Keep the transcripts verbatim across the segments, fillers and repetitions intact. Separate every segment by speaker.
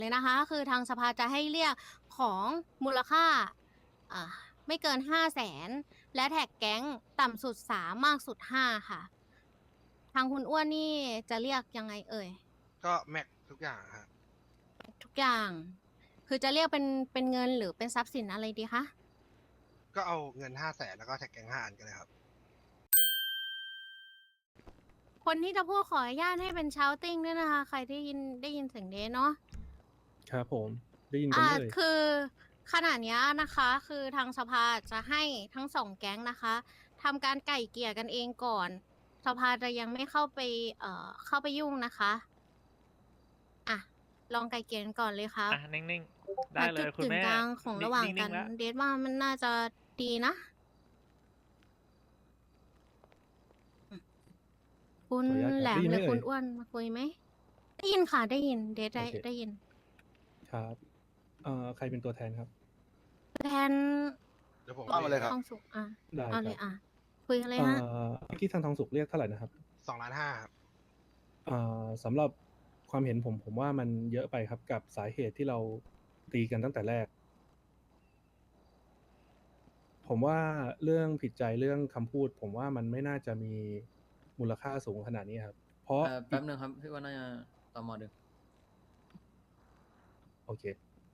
Speaker 1: เลยนะคะคือทางสภาจะให้เรียกของมูลค่าอ่าไม่เกินห้าแสนและแท็กแก๊งต่ำสุดสามมากสุดห้าค่ะทางคุณอ้วนนี่จะเรียกยังไงเอ่ย
Speaker 2: ก็แม็กทุกอย่างฮะ
Speaker 1: ทุกอย่างคือจะเรียกเป็นเป็นเงินหรือเป็นทรัพย์สินอะไรดีคะ
Speaker 2: ก็เอาเงินห้าแสนแล้วก็แท็กแกงห้าอันกันเลยครับ
Speaker 1: คนที่จะพูดขออนุญาตให้เป็นชาวติ้งด้วยนะคะใครที่ยินได้ยินเสียงเดนเนาะ
Speaker 3: ครับผมได้ยินกัน
Speaker 1: อ่า
Speaker 3: ไหมเอ่ย
Speaker 1: คือขณะเนี้ยนะคะคือทางสภาจะให้ทั้งสองแก๊งนะคะทำการไก่เกลี่ยกันเองก่อนสภาจะยังไม่เข้าไปเอ่อเข้าไปยุ่งนะคะอ่ะลองไก่เกลี่ยกันก่อนเลยครับ
Speaker 4: อ่ะนิ่งๆ ได้
Speaker 1: หาจุด
Speaker 4: เลยคุณแม่
Speaker 1: กึ่งกลางของระหว่างกัน
Speaker 4: นิ่งๆแล้ว
Speaker 1: เดทว่ามันน่าจะดีนะอืมคุณ
Speaker 3: ขออนุญาตค
Speaker 1: แหล
Speaker 3: รับได้
Speaker 1: ม
Speaker 3: ยิน
Speaker 1: ห
Speaker 3: ไหม
Speaker 1: รือ
Speaker 3: เอ่
Speaker 1: คุ
Speaker 3: ย
Speaker 1: ณอ้วนมาคุยไหมได้ยินค่ะได้ยินเดทได้
Speaker 3: โอเค
Speaker 1: ได้ยิน
Speaker 3: ครับเอ่อใครเป็นตัวแทนครับ
Speaker 1: แทน
Speaker 2: เดี๋ยวผม
Speaker 5: ว่ามาเลยครับ
Speaker 1: ทองสุกอ่ะ
Speaker 3: ได้
Speaker 1: เอา
Speaker 3: ค
Speaker 1: เล
Speaker 3: รับ
Speaker 1: ยอ่ะคุยกันเลย
Speaker 3: เอ่
Speaker 1: ฮะ
Speaker 3: อเมื่อกี้ทางทองสุกเรียกเท่าไหร่นะครับ
Speaker 2: สองล้านห้าครับ
Speaker 3: เอ่อสำหรับความเห็นผมผมว่ามันเยอะไปครับกับสาเหตุที่เราตีกันตั้งแต่แรก ผมว่าเรื่องผิดใจเรื่องคำพูด ผมว่ามันไม่น่าจะมีมูลค่าสูงขนาดนี้ครับ เพราะ
Speaker 6: เอ่อแป๊บหนึ่งครับพี่ว่าน่าจะตอมอดึง
Speaker 3: โอเค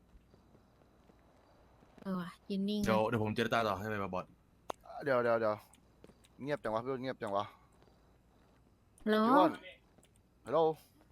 Speaker 1: เออว่ะยืนนิ่ง
Speaker 7: เดี๋ยว
Speaker 1: เลย
Speaker 7: เดี๋ยวผมเจรจาต่อให้ไหมบอส
Speaker 5: เดี๋ยวเดี๋ยวเดี๋ยวเงียบจังวะพี่อ้วนเงียบจังวะ
Speaker 1: แล้ว
Speaker 5: พี่อ้วนฮัลโหล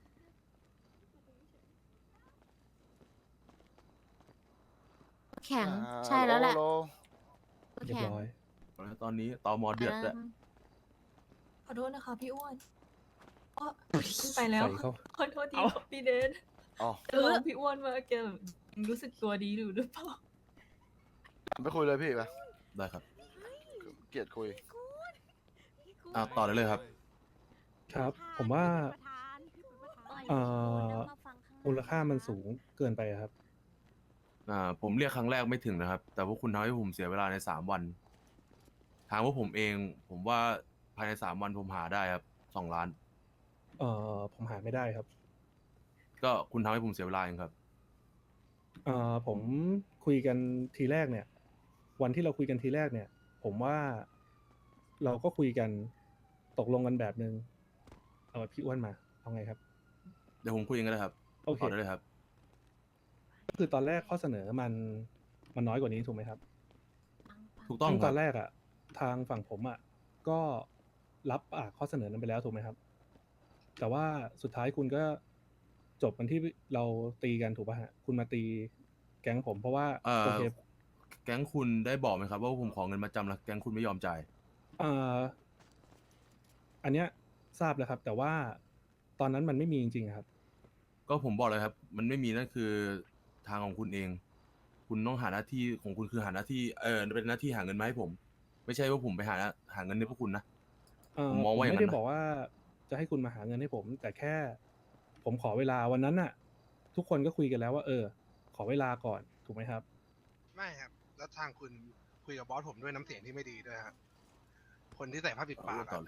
Speaker 1: แข็ง
Speaker 5: อ่า
Speaker 1: ใช่แล้วแหละ
Speaker 5: ฮัโ
Speaker 3: เรียบ
Speaker 1: แข็ง
Speaker 3: ร้อย
Speaker 7: ตอนนี้ตอมอเดือดด้วย
Speaker 8: ขอโทษนะคะพี่อ้วนอ๋อขึ้นไปแล้ว
Speaker 3: ใส่เข้า
Speaker 8: ขอโทษที
Speaker 4: เอ้า
Speaker 8: ครับพี่เดน
Speaker 5: อ๋อ
Speaker 8: จะลองพี่อ้วนว่าแกแบบรู้สึกตัวดีหรือหรือเปล่า
Speaker 5: ไปคุยเลยพี่ไป
Speaker 7: ได้ครับ
Speaker 5: เกลียดคุย
Speaker 7: อ่าต่อได้เลยครับ
Speaker 3: ครับ ผมว่าเอ่อมูลค่ามันสูงเกินไปครับ
Speaker 7: อ่า ผมเรียกครั้งแรกไม่ถึงนะครับ แต่พวกคุณทำให้ผมเสียเวลาในสามวัน ทางพวกผมเอง ผมว่าภายในสามวันผมหาได้ครับสองล้าน
Speaker 3: เอ่อผมหาไม่ได้ครับ
Speaker 7: ก็คุณทำให้ผมเสียเวลาเองครับ
Speaker 3: เอ่อผมคุยกันทีแรกเนี่ย วันที่เราคุยกันทีแรกเนี่ย ผมว่าเราก็คุยกันตกลงกันแบบนึงเอาพี่อ้วนมาเอาไงครับ
Speaker 7: เดี๋ยวผมคุยเองก็ได้ครับ
Speaker 3: โอเค
Speaker 7: ต่อได้เลยครับ
Speaker 3: ก็คือตอนแรกข้อเสนอมันมันน้อยกว่านี้ถูกไหมครับ
Speaker 7: ถูกต้อง
Speaker 3: ซึ่ง
Speaker 7: ค
Speaker 3: ต
Speaker 7: รั
Speaker 3: อบ นแรกอ่ะ ทางฝั่งผมอ่ะก็รับปากข้อเสนอนั้นไปแล้วถูกไหมครับ แต่ว่าสุดท้ายคุณก็จบกันที่เราตีกันถูกป่ะฮะคุณมาตีแก๊งผมเพราะว่า
Speaker 7: เอ่อ
Speaker 3: โอเค
Speaker 7: แก๊งคุณได้บอกไหมครับ ว่าผมขอเงินมาจำแล้วแก๊งคุณไม่ยอมจ่าย
Speaker 3: เอ่ออันเนี้ยทราบแล้วครับ แต่ว่าตอนนั้นมันไม่มีจริงๆครับ
Speaker 7: ก็ผมบอกเลยครับ มันไม่มีนั่นคือทางของคุณเอง คุณต้องหาหน้าที่ของคุณคือหาหน้าที่ เออเป็นหน้าที่หาเงินมาให้ผม ไม่ใช่ว่าผมไปหาหาเงินให้พวกคุณนะ
Speaker 3: เอ่อ
Speaker 7: ผมมองว่าอย่างนั้น
Speaker 3: ไม่ได้
Speaker 7: นะ
Speaker 3: บอกว่าจะให้คุณมาหาเงินให้ผม แต่แค่ผมขอเวลาวันนั้นน่ะ ทุกคนก็คุยกันแล้วว่า เออ ขอเวลาก่อนถูกไหมครับ
Speaker 2: ไม่ครับ แล้วทางคุณคุยกับบอสผมด้วยน้ำเสียงที่ไม่ดีด้วยครับคนที่ใส่ผ้าปิด
Speaker 7: เอา
Speaker 2: ปาก
Speaker 7: เรื่องต่อ
Speaker 2: อะ
Speaker 7: เลย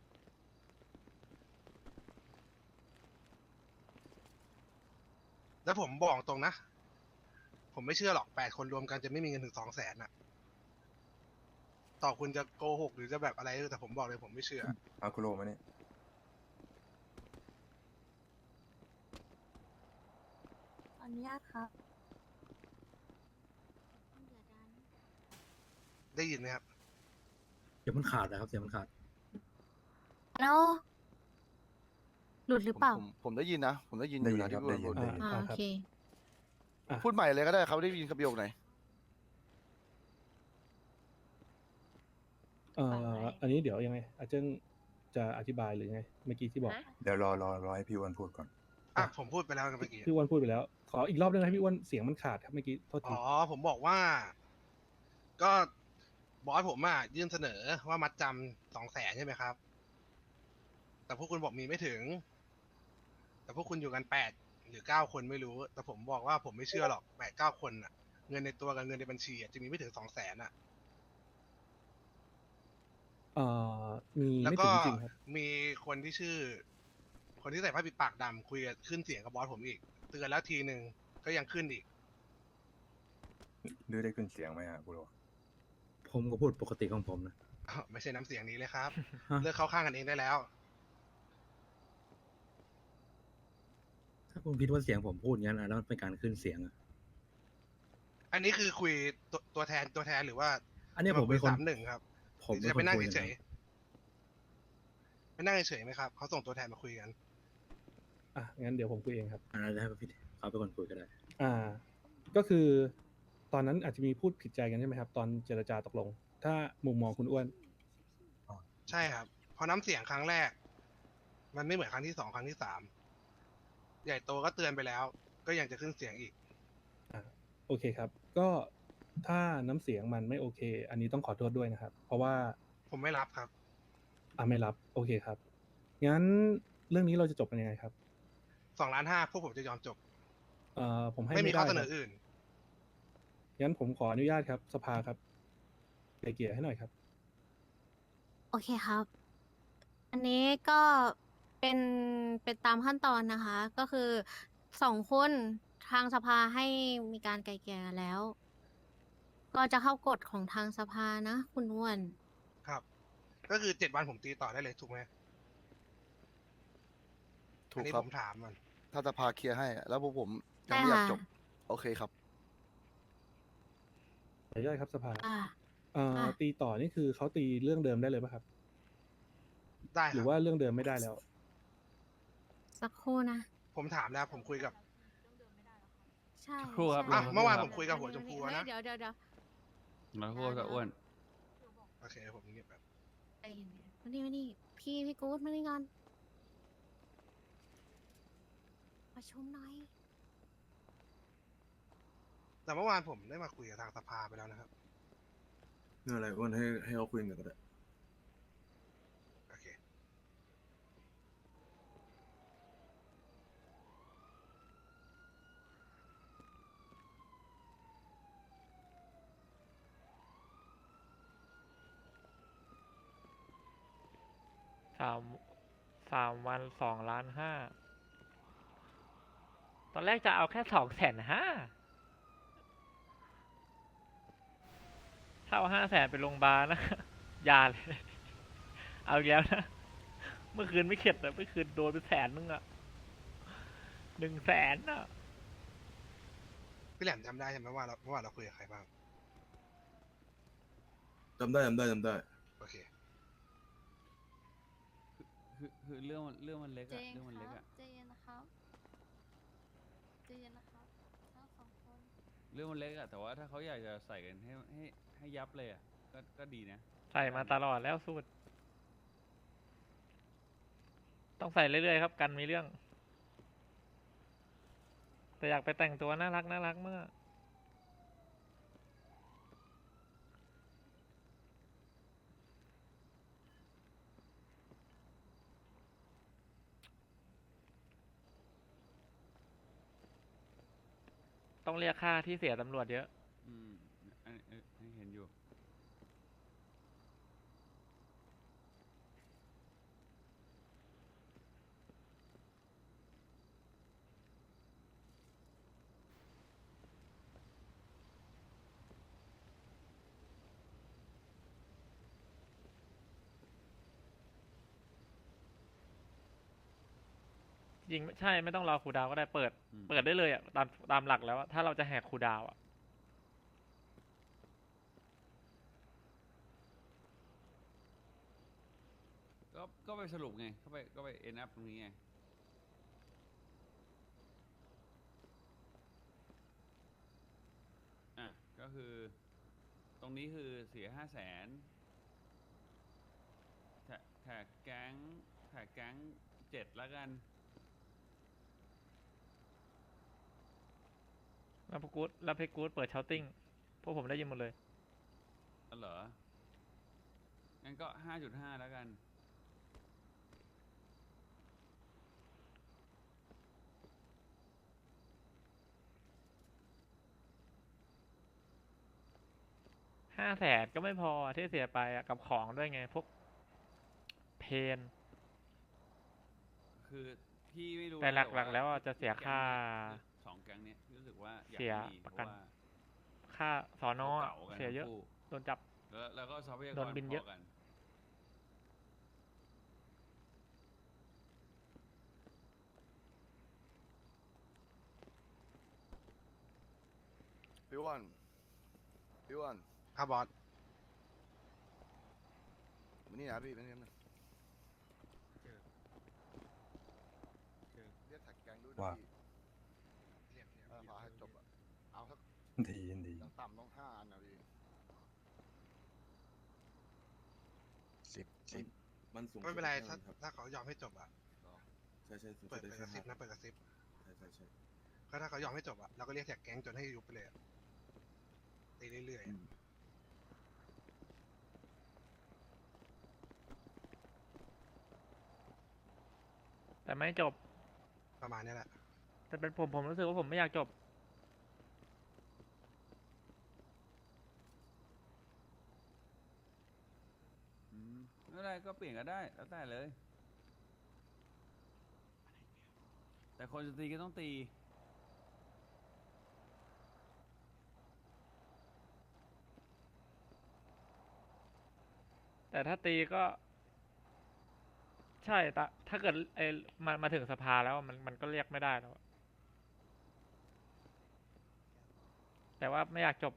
Speaker 2: แล้วผมบอกตรงนะ ผมไม่เชื่อหรอกแปดคนรวมกันจะไม่มีเงินถึงสองแสนอะต่อคุณจะโกหกหรือจะแบบอะไรแต่ผมบอกเลยผมไม่เชื่อ
Speaker 9: เอาคุโรมาเนี่ย
Speaker 8: ขออนุญาตครับ
Speaker 2: ได้ยินไหมครับ
Speaker 9: เสียงมันขาดนะครับ เสียงมันขาด
Speaker 1: แล้วหลุดหรือเปล่า
Speaker 5: ผมผมได้ยินนะ ผมได้ยินอ
Speaker 9: ได้
Speaker 5: ยู่
Speaker 9: ยิน
Speaker 5: นะ
Speaker 9: ครั
Speaker 5: ที่
Speaker 9: บ
Speaker 5: พี่อ้วน
Speaker 9: ได้ยิ
Speaker 5: พูด
Speaker 9: น
Speaker 1: อ่า
Speaker 3: อ่า
Speaker 1: โอ
Speaker 3: ครับ
Speaker 1: เค
Speaker 3: อ่ะ
Speaker 5: พูดใหม่เลยก็ได้เขาได้ยินคำประโยคไหน
Speaker 3: เอ่ออันนี้เดี๋ยวยังไง อาจารย์จะอธิบายหรือไง เมื่อกี้ที่บอก
Speaker 9: เดี๋ยวรอรอรอให้พี่อ้วนพูดก่อน
Speaker 2: อ่ะผมพูดไปแล้วนะเมื่อกี้
Speaker 3: พี่อ้วนพูดไปแล้ว ขออีกรอบนึงนะพี่อ้วนเสียงมันขาดครับเมื่อกี้โทษที
Speaker 2: อ๋อ ผมบอกว่า ก็บอสผมอ่ะยื่นเสนอว่ามัดจำสองแสนใช่ไหมครับ แต่พวกคุณบอกมีไม่ถึง แต่พวกคุณอยู่กันแปดหรือเก้าคนไม่รู้ แต่ผมบอกว่าผมไม่เชื่อหรอกแปดเก้าคนอ่ะ เงินในตัวกับเงินในบัญชีอะจะมีไม่ถึงสองแสนอ่ะ
Speaker 3: เอ่อมี
Speaker 2: แล้ว
Speaker 3: ไม่
Speaker 2: ก็
Speaker 3: ถึงจริงครับ
Speaker 2: มีคนที่ชื่อ คนที่ใส่ผ้าปิดปากดำคุยกับขึ้นเสียงกับบอสผมอีก เตือนแล้วทีหนึ่งก็ยังขึ้นอีก
Speaker 9: ดื้อได้ขึ้นเสียงไหมฮะกุโร
Speaker 4: ผมก็พูดปกติของผมนะ
Speaker 2: อ้าวไม่ใช่น้ำเสียงนี้เลยครับ
Speaker 4: ฮะ
Speaker 2: เลิกเข้าข้างกันเองได้แล้ว
Speaker 4: ถ้าคุณคิดว่าเสียงผมพูดงั้นอะแล้วมันเป็นการขึ้นเสียงอะ
Speaker 2: อันนี้คือคุยตัวตัวแทนตัวแทนหรือว่า
Speaker 4: อันนี้ผมเป็นคน
Speaker 2: สามหนึ่งครับ
Speaker 4: ผม
Speaker 2: ห
Speaker 4: เป็
Speaker 2: รื
Speaker 4: น
Speaker 2: จะ
Speaker 4: ค
Speaker 2: ไป
Speaker 4: น
Speaker 2: นั่ง
Speaker 4: คุย
Speaker 2: เฉ
Speaker 4: นะ
Speaker 2: ยๆไปนั่งเฉยๆไหมครับเขาส่งตัวแทนมาคุยกัน
Speaker 3: อ่ะงั้นเดี๋ยวผมคุยเองครับ
Speaker 4: อันนั้นให้พี่เขาเป็นคนคุยก็ได้
Speaker 3: อ่า ก็คือตอนนั้นอาจจะมีพูดผิดใจกันใช่ไหมครับ ตอนเจรจาตกลง ถ้ามุมมองคุณอ้วน
Speaker 2: ใช่ครับพอน้ำเสียงครั้งแรก มันไม่เหมือนครั้งที่สองครั้งที่สามใหญ่โตก็เตือนไปแล้ว ก็ยังจะขึ้นเสียงอีก
Speaker 3: อ่าโอเคครับ ก็ถ้าน้ำเสียงมันไม่โอเค อันนี้ต้องขอโทษด้วยนะครับ เพราะว่า
Speaker 2: ผมไม่รับครับ
Speaker 3: อ่าไม่รับ โอเคครับ งั้นเรื่องนี้เราจะจบกันยังไงครับ
Speaker 2: สองล้านห้าพวกผมจะยอมจบ
Speaker 3: เอ่อผมให้
Speaker 2: ไม่มี
Speaker 3: ไม่ได้
Speaker 2: ข้อเสน
Speaker 3: ครั
Speaker 2: อบ อื่น
Speaker 3: งั้นผมขออนุญาตครับ สภาครับไกลเกลี่ยให้หน่อยครับ
Speaker 1: โอเคครับ อันนี้ก็เป็นเป็นตามขั้นตอนนะคะ ก็คือสองคนทางสภาให้มีการไกลเกลี่ยกันแล้ว ก็จะเข้ากฎของทางสภานะ คุณอ้วน
Speaker 2: ครับ ก็คือเจ็ดวันผมตีต่อได้เลยถูกไหม
Speaker 5: ถู
Speaker 2: อัน
Speaker 5: ก
Speaker 2: นี้
Speaker 5: ครับ
Speaker 2: ผมถามมัน
Speaker 5: ถ้าจะพาเคลียร์ให้อะแล้วพวกผมยั
Speaker 1: ใช่
Speaker 5: งไม่อยาก
Speaker 1: ค่ะ
Speaker 5: จบ โอเคครับ
Speaker 3: ขออนุญาตครับสภา
Speaker 1: อ่า
Speaker 3: เอ่อ
Speaker 1: อ่ะ
Speaker 3: ตีต่อนี่คือเขาตีเรื่องเดิมได้เลยป่ะครับ
Speaker 2: ได้ค
Speaker 3: หรื
Speaker 2: รั
Speaker 3: อบ ว่าเรื่องเดิมไม่ได้แล้ว
Speaker 1: สักครู่นะ
Speaker 2: ผมถามแล้วผมคุยกับ
Speaker 1: ใช่
Speaker 10: ครู่ครับ
Speaker 1: ใช่
Speaker 2: อ่ะ
Speaker 10: ลง
Speaker 2: เมื่อวาน
Speaker 10: ค
Speaker 2: ผ
Speaker 10: รับ
Speaker 2: มคุยกับหัวชมพูนะ
Speaker 1: เดี๋ยวเดี๋ยวเดี๋ยว
Speaker 10: มาพูดกับอ้วน
Speaker 2: โอเคผมเงียบแบบ
Speaker 1: ใจเย็นๆมานี่มานี่พี่พี่กู๊ดมานี่ก่อนประชุมหน่อย
Speaker 2: แต่เมื่อวานผมได้มาคุยกับทางสภาไปแล้วนะครับ
Speaker 7: เรื่องอะไรอ้วนให้ให้เขาคุยกันก็ได้
Speaker 2: โอเค
Speaker 11: สามสามวันสองล้านห้า ตอนแรกจะเอาแค่สองแสนห้า ถ้าเอาห้าแสนไปโรงพยาบาลนะ ยาเลย เอาอีกแล้วนะ เมื่อคืนไม่เข็ดอะเมื่อคืนโดนไปแสนนึงอะหนึ่งแสนอะ
Speaker 2: พี่แหลมจำได้ใช่ไหมว่าเราเมื่อวานเราคุยกับใครบ้าง
Speaker 7: จำได้จำได้จำได้
Speaker 2: โอเค
Speaker 10: คือคือเรื่องมันเรื่องมันเล็ก
Speaker 8: เจ
Speaker 10: อะ
Speaker 8: น
Speaker 10: เรื่องมัน
Speaker 8: ค
Speaker 10: เล็ก
Speaker 8: รับ
Speaker 10: อะ
Speaker 8: เจนนะครับเจนนะครับทั้งสองคน
Speaker 10: เรื่องมันเล็กอะแต่ว่าถ้าเขาอยากจะใส่กันให้ให้ให้ยับเลยอะก็ก็ดีนะ
Speaker 11: ใส่มาตลอดแล้วสูตร ต้องใส่เรื่อยๆครับ กันมีเรื่อง แต่อยากไปแต่งตัวน่ารักน่ารักมาก ต้องเรียกค่าที่เสียตำรวจเยอะ
Speaker 10: อืมอันอันอันเห็นอยู่
Speaker 11: ยิงไม่ใช่ไม่ต้องรอครูดาวก็ได้เปิด
Speaker 10: อืม
Speaker 11: เปิดได้เลยอ่ะตามตามหลักแล้วอะถ้าเราจะแหกครูดาวอ่ะ
Speaker 10: ก็ก็ไปสรุปไงก็ไปก็ไปเอ็นอัพตรงนี้ไงอ่ะก็คือ ตรงนี้คือเสียห้าแสนแท็กแท็กแก๊งแท็กแก๊งเจ็ดแล้วกัน
Speaker 11: แล้วพวกกู๊ดแล้วเพกกู๊ดเปิดเชาติ้งพวกผมได้ยินหมดเลย
Speaker 10: อ๋อเหรอ งั้นก็ห้าจุดห้าแล้วกัน
Speaker 11: ห้าแสนก็ไม่พอที่เสียไปอะกับของด้วยไง พวกเพน
Speaker 10: คือพี่ไม่รู้
Speaker 11: แต่
Speaker 10: นะ
Speaker 11: หลักๆแล้วอะจะเสีย
Speaker 10: แก๊ง
Speaker 11: ค่า
Speaker 10: เนี้ยสองแก๊งเนี้ยพี่รู้สึกว่าอยาก
Speaker 11: เสีย
Speaker 10: ให้มี
Speaker 11: ประ
Speaker 10: เพ
Speaker 11: กัน
Speaker 10: ราะว่า
Speaker 11: ค่าสอนอ
Speaker 10: เก่าๆกัน
Speaker 11: เสียเยอะ
Speaker 10: ทั้งคู่
Speaker 11: โดนจับ
Speaker 10: แล้วแล้วก็ทรัพยาก
Speaker 11: โด
Speaker 10: ร
Speaker 11: นบิน
Speaker 10: พ
Speaker 11: เยอะ
Speaker 10: อกัน
Speaker 5: พี่อ้วนพี่อ้วน
Speaker 2: ครับบอส
Speaker 5: มานี่นะพี่มานี่นะเรียกแท็กแกงด้วยนะ
Speaker 9: ว่า
Speaker 5: พี่เออขอให้จบอะเอาสัก
Speaker 9: ดีดี
Speaker 5: อย่างต่ำต้องห้าอันนะพี่
Speaker 9: สิบ
Speaker 7: มันมันสูง
Speaker 2: ไม่เป็นไร
Speaker 7: สุด
Speaker 2: ถ้า
Speaker 7: ครับ
Speaker 2: ถ้าเขายอมให้จบอ่ะ
Speaker 7: ใช่ใช่สูง
Speaker 2: เปิ
Speaker 7: สุ
Speaker 2: ด
Speaker 7: ดได้
Speaker 2: เปิดก
Speaker 7: แค่
Speaker 2: ระซิบ
Speaker 7: ห้า
Speaker 2: นะเปิดกระซิบ
Speaker 7: ใช่ใช่ใช่
Speaker 2: ก็ถ้าเขายอมให้จบอ่ะเราก็เรียกแท็กแก๊งจนให้ยุบไปเลยอะตีเรื่อยๆ
Speaker 7: อื
Speaker 2: อะ
Speaker 7: ม
Speaker 11: แต่ไม่จบ
Speaker 2: ประมาณนี้แหละ
Speaker 11: แต่เป็นผมผมรู้สึกว่าผมไม่อยากจบ
Speaker 10: อืมไม่เป็นไรก็เปลี่ยนก็ได้แล้วแต่เลย แต่คนจะตีก็ต้องตี
Speaker 11: แต่ถ้าตีก็ ใช่แต่ถ้าเกิดไอ้มามาถึงสภาแล้วมันมันก็เรียกไม่ได้แล้วอะแต่ว่าไม่อยากจบ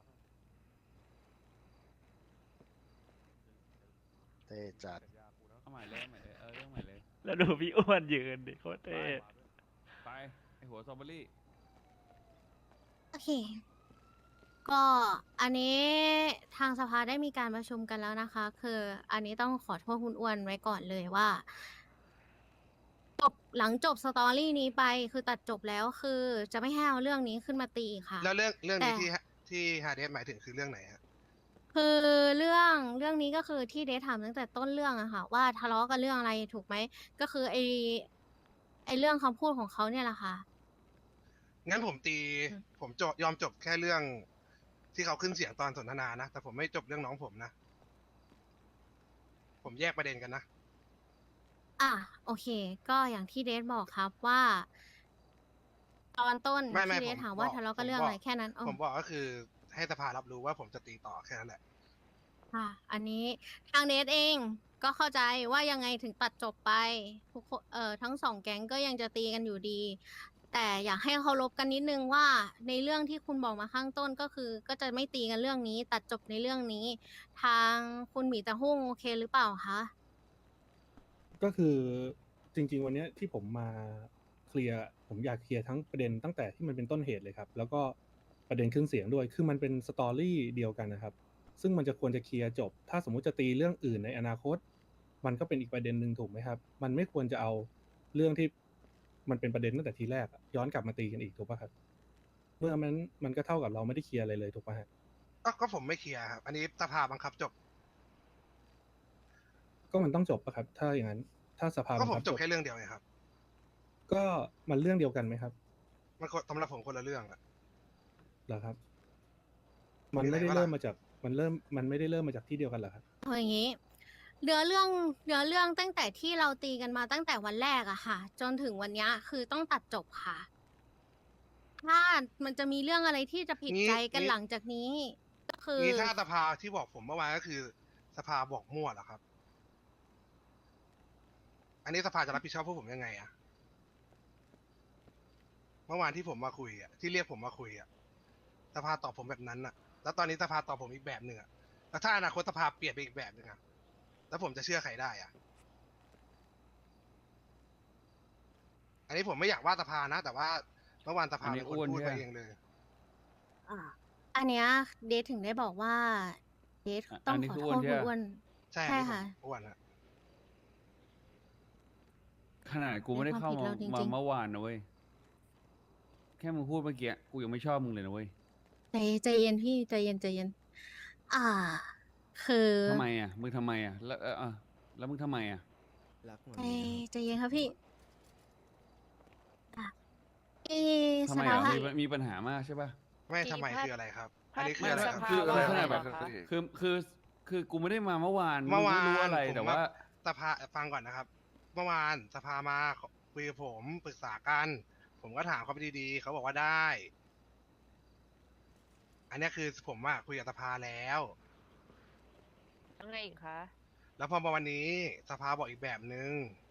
Speaker 5: เท่จัด
Speaker 10: เอาใหม่เลยเอาใหม่เลยเออเรื่องใหม่เลย
Speaker 11: แล้วดูพี่อ้วนยืนดิโคตร
Speaker 10: ไป
Speaker 11: เท่
Speaker 10: ไปไอหัวสตรอเบอรี่
Speaker 1: โอเค ก็อันนี้ทางสภาได้มีการประชุมกันแล้วนะคะ คืออันนี้ต้องขอโทษคุณอ้วนไว้ก่อนเลยว่าจบหลังจบสตอรี่นี้ไปคือตัดจบแล้วคือจะไม่ให้เอาเรื่องนี้ขึ้นมาตีค่ะ
Speaker 2: แล้วเรื่องเรื่องนี้
Speaker 1: แต่
Speaker 2: ที่ฮะที่ฮาเดสหมายถึงคือเรื่องไหนฮะ
Speaker 1: คือเรื่องเรื่องนี้ก็คือที่เดทถามตั้งแต่ต้นเรื่องอะค่ะ ว่าทะเลาะกันเรื่องอะไรถูกไหมก็คือไอไอเรื่องคำพูดของเขาเนี่ยแหละค่ะ
Speaker 2: งั้นผมตี
Speaker 1: อืม
Speaker 2: ผมจบยอมจบแค่เรื่อง ที่เขาขึ้นเสียงตอนสนทนานะ แต่ผมไม่จบเรื่องน้องผมนะ ผมแยกประเด็นกันนะ
Speaker 1: อ่ะโอเค ก็อย่างที่เดทบอกครับว่า ตอนต้น
Speaker 2: ไม่ไม่
Speaker 1: ที่เดท
Speaker 2: ผม
Speaker 1: ถามว่า
Speaker 2: บอก
Speaker 1: ทะเลาะกัน
Speaker 2: ผม
Speaker 1: เรื่อง
Speaker 2: บอก
Speaker 1: อะไรแค่นั้นอ๋อ
Speaker 2: ผมบอกก็คือให้สภารับรู้ว่าผมจะตีต่อแค่นั้นแหละ
Speaker 1: ค่ะ อันนี้ทางเดทเองก็เข้าใจว่ายังไงถึงตัดจบไปทุกคนเอ่อทั้งสองแก๊งก็ยังจะตีกันอยู่ดี แต่อยากให้เคารพกันนิดนึงว่าในเรื่องที่คุณบอกมาข้างต้นก็คือ ก็จะไม่ตีกันเรื่องนี้ ตัดจบในเรื่องนี้ ทางคุณหมีตะหุ้งโอเคหรือเปล่าคะ
Speaker 3: ก็คือจริง ๆ วันเนี้ยที่ผมมาเคลียร์ผมอยากเคลียร์ทั้งประเด็นตั้งแต่ที่มันเป็นต้นเหตุเลยครับ แล้วก็ประเด็นขึ้นเสียงด้วย คือมันเป็นสตอรี่เดียวกันนะครับ ซึ่งมันจะควรจะเคลียร์จบ ถ้าสมมุติจะตีเรื่องอื่นในอนาคต มันก็เป็นอีกประเด็นหนึ่งถูกไหมครับ มันไม่ควรจะเอาเรื่องที่มันเป็นประเด็นตั้งแต่ทีแรกอะย้อนกลับมาตีกันอีกถูกป่ะครับ เมื่อมันมันก็เท่ากับเราไม่ได้เคลียร์อะไรเลยถูกป่ะฮะ
Speaker 2: ก็ก็ผมไม่เคลียร์ครับ อันนี้สภาบังคับจบ
Speaker 3: ก็มันต้องจบป่ะครับ ถ้าอย่างนั้น ถ้าสภา
Speaker 2: ก็
Speaker 3: บัง
Speaker 2: ผม
Speaker 3: คับ
Speaker 2: จบแค่เรื่องเดียวไงครับ
Speaker 3: ก็มันเรื่องเดียวกันไหมครับ
Speaker 2: มันคนสำหรับผมคนละเรื่องอะ
Speaker 3: เหรอครับ มัน
Speaker 2: มีอะไร
Speaker 3: ไม่ได้
Speaker 2: ปะล่ะ
Speaker 3: เริ่มมาจาก มันเริ่ม มันไม่ได้เริ่มมาจากที่เดียวกันเหรอครับ
Speaker 1: เอาอย่างนี้เนื้อเรื่องเนื้อเรื่องตั้งแต่ที่เราตีกันมาตั้งแต่วันแรกอะค่ะ จนถึงวันเนี้ยคือต้องตัดจบค่ะ ถ้ามันจะมีเรื่องอะไรที่จะผิด
Speaker 2: งี้
Speaker 1: ใจกัน
Speaker 2: งี้
Speaker 1: หลังจากนี้ ก็คือ
Speaker 2: นี่ถ้าสภาที่บอกผมเมื่อวานก็คือ สภาบอกมั่วเหรอครับ อันนี้สภาจะรับผิดชอบพวกผมยังไงอะเมื่อวานที่ผมมาคุยอะที่เรียกผมมาคุยอะสภาตอบผมแบบนั้นอะแล้วตอนนี้สภาตอบผมอีกแบบหนึ่งอะแล้วถ้าอนาคตสภาเปลี่ยนไปอีกแบบหนึ่งอะแล้วผมจะเชื่อใครได้อะอันนี้ผมไม่อยากว่าสภานะ แต่ว่าเมื่อวานสภา
Speaker 10: อันนี้
Speaker 2: เป็นคน
Speaker 10: อ้วน
Speaker 2: พูด
Speaker 10: ใช่
Speaker 2: ไป
Speaker 10: ไหม
Speaker 2: เองเลย
Speaker 1: อ่าอันเนี้ยเดทถึงได้บอกว่าเดท
Speaker 10: อ่ะ
Speaker 1: ต้อง
Speaker 10: อันนี้
Speaker 1: ขอ
Speaker 10: คือ
Speaker 1: โท
Speaker 10: อ้วน
Speaker 1: ษ
Speaker 10: ใช่
Speaker 1: คุณ
Speaker 10: ปะ
Speaker 1: อ้วน
Speaker 2: ใช่
Speaker 1: ใช่
Speaker 2: อันนี้ผม
Speaker 1: ค่ะ
Speaker 2: อ้วนอะ
Speaker 10: ขนาดกูไม่ได้เข้า
Speaker 1: เป็นควา
Speaker 10: มาม
Speaker 1: ผิดเราจริงๆ
Speaker 10: มาเมื่อวานนะเว้ย แค่มึงพูดเมื่อกี้กูยังไม่ชอบมึงเลยนะเว้ย
Speaker 1: ใจใจเย็นพี่ใจเย็นใจเย็น อ่า คือ
Speaker 10: ทำไมอ่ะ มึงทำไมอ่ะ แล้วเออเออแล้วมึงทำไมอ่ะ
Speaker 1: ใจใจเย็นครับพี่อ่ะเอ
Speaker 10: ทำ
Speaker 1: ส
Speaker 10: ไมอ่ะ
Speaker 1: ภา
Speaker 10: มีมีปัญหามากใช่ป่ะ
Speaker 2: ไม่
Speaker 8: กี่
Speaker 2: ทำไม
Speaker 8: พัด
Speaker 2: คืออะไรครับ อันนี้คือ
Speaker 10: ไม่
Speaker 2: อะไร
Speaker 10: ไม่
Speaker 2: ครับ
Speaker 10: คือ
Speaker 5: อะไร
Speaker 10: ขนาดแบบ
Speaker 5: ครับพี่
Speaker 10: คือคือคือกูไม่ได้มาเมื่อวาน
Speaker 2: เมื่อวาน
Speaker 10: งไม่รู้อะไร
Speaker 2: ผม
Speaker 10: แต่
Speaker 2: มา
Speaker 10: ว่า
Speaker 2: สภาฟังก่อนนะครับ เมื่อวานสภามาคุยกับผมปรึกษากัน ผมก็ถามเขาไปดีๆเขาบอกว่าได้อันเนี้ยคือผมอะคุยกับสภาแล้ว
Speaker 1: ยังไงอีกคะ
Speaker 2: แล้วพอมาวันนี้สภาบอกอีกแบบนึง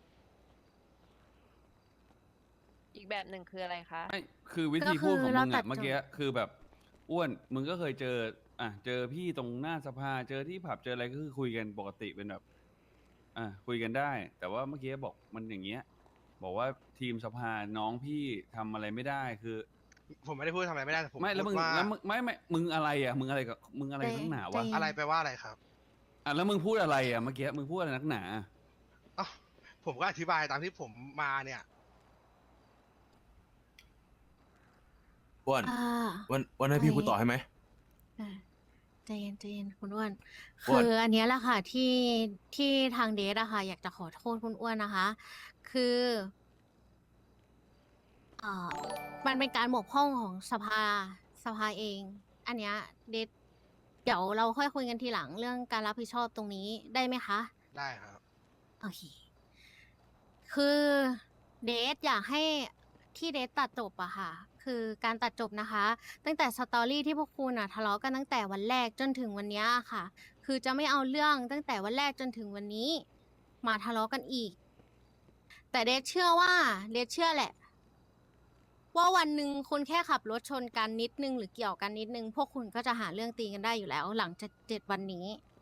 Speaker 1: อีกแบบหนึ่งคืออะไรคะ
Speaker 10: ไม่คือวิธี
Speaker 1: ก็คือ
Speaker 10: พูดของ
Speaker 1: เรา
Speaker 10: มึง
Speaker 1: ตั
Speaker 10: อะ
Speaker 1: ด
Speaker 10: เมื่อกี้คือแบบอ้วนมึงก็เคยเจออ่ะเจอพี่ตรงหน้าสภาเจอที่ผับเจออะไรก็คือคุยกันปกติเป็นแบบอ่ะคุยกันได้ แต่ว่าเมื่อกี้บอกมันอย่างเงี้ย บอกว่าทีมสภาน้องพี่ทำอะไรไม่ได้คือ
Speaker 2: ผมไม่ได้พูดทำอะไรไม่ได้แต่ผม
Speaker 10: ไม่แล้ว
Speaker 2: พู
Speaker 10: มึ
Speaker 2: ด
Speaker 10: ง
Speaker 2: ว่า
Speaker 10: แล้วมึงไม่ไม่มึงอะไรอ่ะมึงอะไรกับมึงอะไร
Speaker 1: ใจ
Speaker 10: นักหนา
Speaker 1: ใจ
Speaker 10: วะ
Speaker 1: เย็น
Speaker 2: อะไรไปลว่าอะไรครับ
Speaker 10: อ่ะแล้วมึงพูดอะไรอ่ะเมื่อกี้มึงพูดอะไรนักหนา
Speaker 2: อ้าวผมก็อธิบายตามที่ผมมาเนี่ย
Speaker 7: อ้วน
Speaker 1: อ่า
Speaker 7: อ้วนอ้วนให้พี่
Speaker 1: อะไร
Speaker 7: พูดต่อให้ไหม
Speaker 1: อ่าใจเย็นใจเย็นคุณอ้วน
Speaker 7: อ้วน
Speaker 1: คืออันเนี้ยแหละค่ะที่ที่ทางเดทอะค่ะอยากจะขอโทษคุณอ้วนนะคะ คือเอ่อมันเป็นการบกพร่องของสภาสภาเอง อันเนี้ยเดทเดี๋ยวเราค่อยคุยกันทีหลังเรื่องการรับผิดชอบตรงนี้ได้ไหมคะ
Speaker 2: ได้ครับ
Speaker 1: โอเค คือเดทอยากให้ที่เดทตัดจบอะค่ะ คือการตัดจบนะคะ ตั้งแต่สตอรี่ที่พวกคุณอะทะเลาะกันตั้งแต่วันแรกจนถึงวันเนี้ยค่ะ คือจะไม่เอาเรื่องตั้งแต่วันแรกจนถึงวันนี้ มาทะเลาะกันอีก แต่เดทเชื่อว่าเดทเชื่อแหละ ว่าวันหนึ่งคุณแค่ขับรถชนกันนิดนึงหรือเกี่ยวกันนิดนึง พวกคุณก็จะหาเรื่องตีกันได้อยู่แล้ว หลังจากเจ็ดวันนี้